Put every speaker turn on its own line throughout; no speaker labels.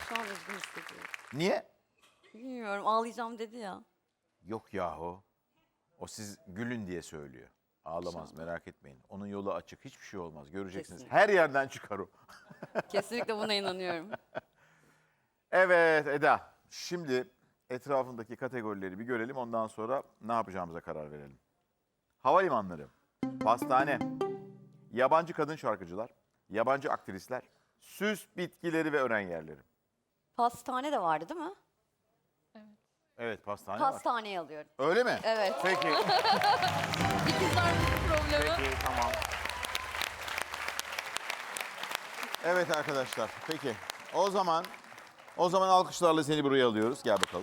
Şu an üzgün hissediyorum.
Niye?
Bilmiyorum, ağlayacağım dedi ya.
Yok yahu. O siz gülün diye söylüyor. Ağlamaz, merak etmeyin. Onun yolu açık. Hiçbir şey olmaz. Göreceksiniz.
Kesinlikle.
Her yerden çıkar o.
Kesinlikle buna inanıyorum.
Evet Eda. Şimdi etrafındaki kategorileri bir görelim. Ondan sonra ne yapacağımıza karar verelim. Havalimanları, pastane, yabancı kadın şarkıcılar, yabancı aktrisler, süs bitkileri ve ören yerleri.
Pastane de vardı değil mi?
Evet pastane var.
Pastaneyi alıyorum.
Öyle mi?
Evet.
Peki.
İkizler problemi.
Peki tamam. Evet arkadaşlar. Peki. O zaman alkışlarla seni buraya alıyoruz. Gel bakalım.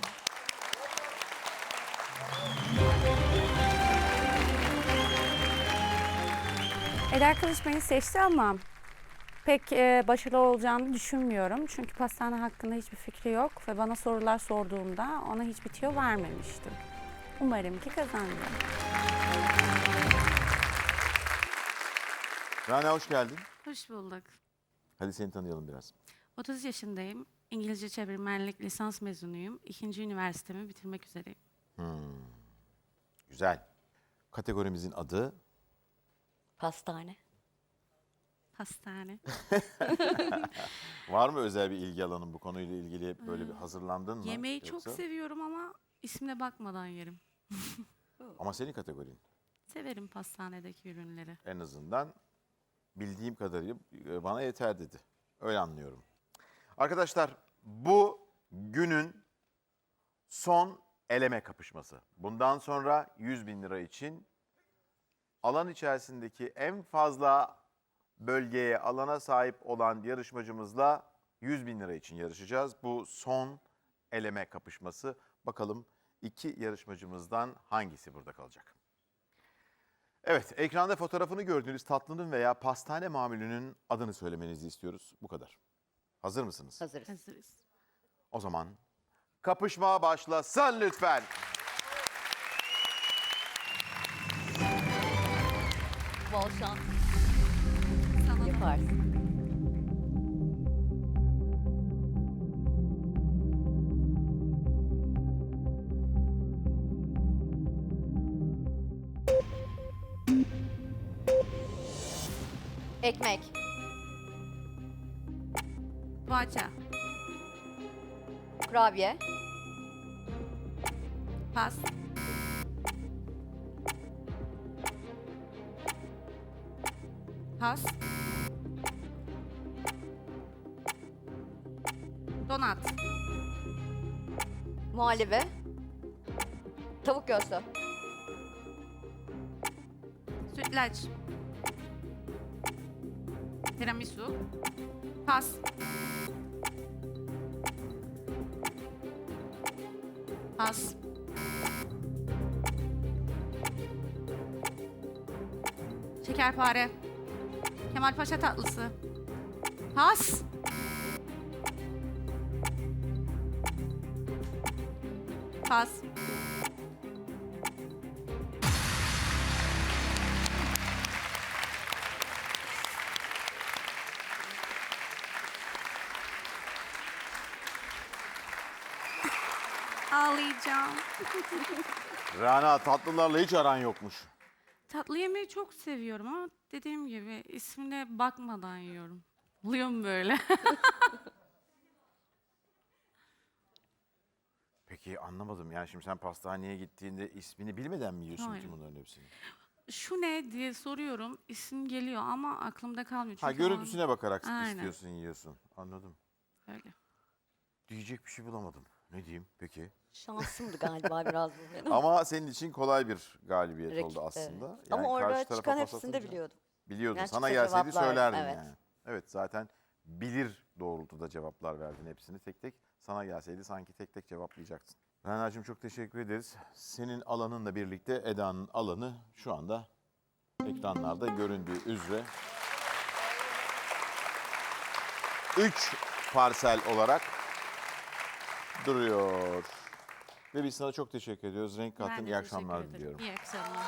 Eda Kılıç beni seçti ama pek başarılı olacağını düşünmüyorum. Çünkü pastane hakkında hiçbir fikri yok ve bana sorular sorduğumda ona hiçbir tüyo vermemiştim. Umarım ki kazanırım.
Rana hoş geldin.
Hoş bulduk.
Hadi seni tanıyalım biraz.
30 yaşındayım. İngilizce çevirmenlik lisans mezunuyum. 2. üniversitemi bitirmek üzereyim.
Güzel. Kategorimizin adı
Pastane.
Hastane.
var mı özel bir ilgi alanın bu konuyla ilgili böyle bir hazırlandın mı?
Yemeği
Yoksa?
çok seviyorum ama ismine bakmadan yerim.
Ama senin kategorin
Severim pastanedeki ürünleri.
en azından bildiğim kadarıyla bana yeter dedi. Öyle anlıyorum. Arkadaşlar bu günün son eleme kapışması. Bundan sonra 100.000 lira için alan içerisindeki en fazla bölgeye, alana sahip olan yarışmacımızla 100.000 lira için yarışacağız. Bu son eleme kapışması. Bakalım iki yarışmacımızdan hangisi burada kalacak? Evet, ekranda fotoğrafını gördüğünüz tatlının veya pastane mamulünün adını söylemenizi istiyoruz. Bu kadar. Hazır mısınız?
Hazırız.
Hazırız.
O zaman kapışma başlasın lütfen.
Bol şans.
Sana da.
Yaparsın. Ekmek.
Poğaça.
Kurabiye.
Pas. Pas. Donat.
Muhallebi. Tavuk göğsü.
Sütlaç. Tiramisu. Pas. Pas. Şekerpare. Kemalpaşa tatlısı. Pas. Pas. Ağlayacağım.
Rana tatlılarla hiç aran yokmuş.
Tatlı yemeği çok seviyorum ama dediğim gibi ismine bakmadan yiyorum. Buluyorum böyle.
Peki anlamadım. Yani şimdi sen pastaneye gittiğinde ismini bilmeden mi yiyorsun
Hayır.
ki bunların hepsini?
Şu ne diye soruyorum. İsim geliyor ama aklımda kalmıyor.
Ha
Çünkü o an-
görüntüsüne bakarak
Aynen.
istiyorsun, yiyorsun. Anladım.
Öyle.
Diyecek bir şey bulamadım. Ne diyeyim peki?
Şansımdı galiba biraz bu benim.
Ama senin için kolay bir galibiyet
Rakip,
oldu aslında.
evet. Ama
karşı
orada
tarafa
çıkan
pas
hepsini de
atınca-
biliyordum.
Biliyordun.
Yani
Sana
çıksa
gelseydi
cevaplardım,
söylerdin
evet.
yani. Evet zaten bilir doğrultuda cevaplar verdin hepsini tek tek. Sana gelseydi sanki tek tek cevaplayacaksın. Rana'cığım çok teşekkür ederiz. Senin alanınla birlikte Eda'nın alanı şu anda ekranlarda göründüğü üzere 3 parsel olarak duruyor. Ve biz sana çok teşekkür ediyoruz. Renk
Ben
kattın.
de
İyi
teşekkür
akşamlar
ederim.
diliyorum.
İyi akşamlar.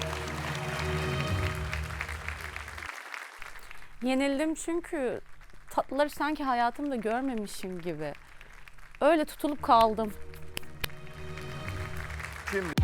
Yenildim çünkü tatlıları sanki hayatımda görmemişim gibi. Öyle tutulup kaldım.
Şimdi